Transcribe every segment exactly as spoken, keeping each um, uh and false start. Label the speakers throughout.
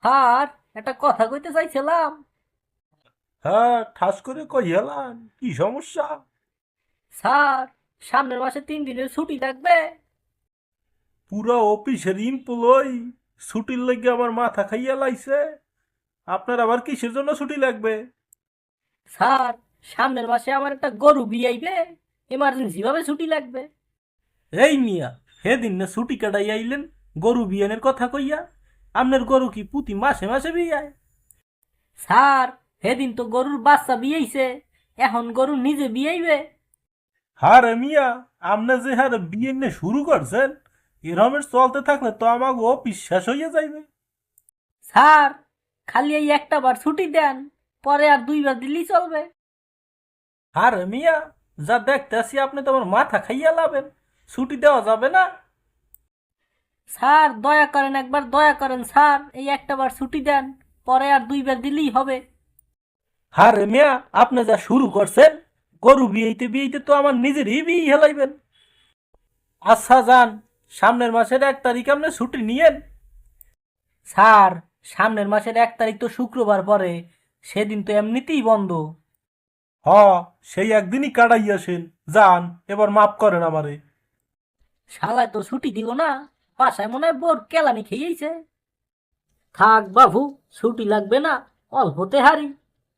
Speaker 1: আর একটা কথা কইতে চাইছিলাম।
Speaker 2: হ্যাঁ, ঠাস করে কইয়ালান কি সমস্যা?
Speaker 1: স্যার, সামনের মাসে তিন দিনের ছুটি থাকবে।
Speaker 2: পুরা অফিসের এমপ্লয়ি ছুটির লেগে আমার মাথা খাইয়া লাইছে। আপনার আবার কিসের জন্য ছুটি লাগবে?
Speaker 1: স্যার, সামনের মাসে আমার একটা গরু বিয়াইবে, এমার্জেন্সি ভাবে ছুটি লাগবে।
Speaker 2: এই মিয়া, সেদিন না ছুটি কাটাই আইলেন গরু বিয়ানের কথা কইয়া। আপনার গরু কি প্রতি মাসে মাসে বিয়ায়?
Speaker 1: স্যার, সেদিন তো গরুর বাচ্চা বিয়াইছে, এখন গরু নিজে বিয়াইবে।
Speaker 2: হারে মিয়া, আপনি যে হারে বিয়ে নিয়ে শুরু করছেন, এরমের চলতে থাকলে তো আমাকে অফিস শেষ হইয়া যাইবে।
Speaker 1: স্যার, খালি এই একটা বার ছুটি দেন, পরে আর দুইবার দিলেই চলবে।
Speaker 2: হারে মিয়া, যা দেখতেছি আপনি তো আমার মাথা খাইয়া লাবেন। ছুটি দেওয়া যাবে না?
Speaker 1: স্যার, দয়া করেন, একবার দয়া করেন স্যার, এই একটা বার ছুটি দেন, পরে আর দুইবার দিলেই হবে।
Speaker 2: হারে মিয়া, আপনি যা শুরু করছেন, গরু বিয়েতে বিয়েতে তো আমার নিজেরই বিয়ে হেলাইবেন। আচ্ছা যান, সামনের মাসের এক তারিখ আপনি ছুটি নিয়েন।
Speaker 1: স্যার, সামনের মাসের এক তারিখ তো শুক্রবার পরে, সেদিন তো এমনিতেই বন্ধ।
Speaker 2: হ, সেই একদিনই কাটাই আসেন। যান, এবার মাফ করেন আমারে।
Speaker 1: শালায় তো ছুটি দিল না, বাসায় মনে হয় বোর কেলানি খেয়েছে। থাক বাবু, ছুটি লাগবে না, অল্পতে হারি।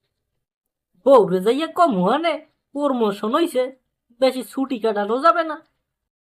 Speaker 1: বউরে যাইয়া কম হানে প্রমোশন হইছে, বেশি ছুটি কাটানো যাবে না।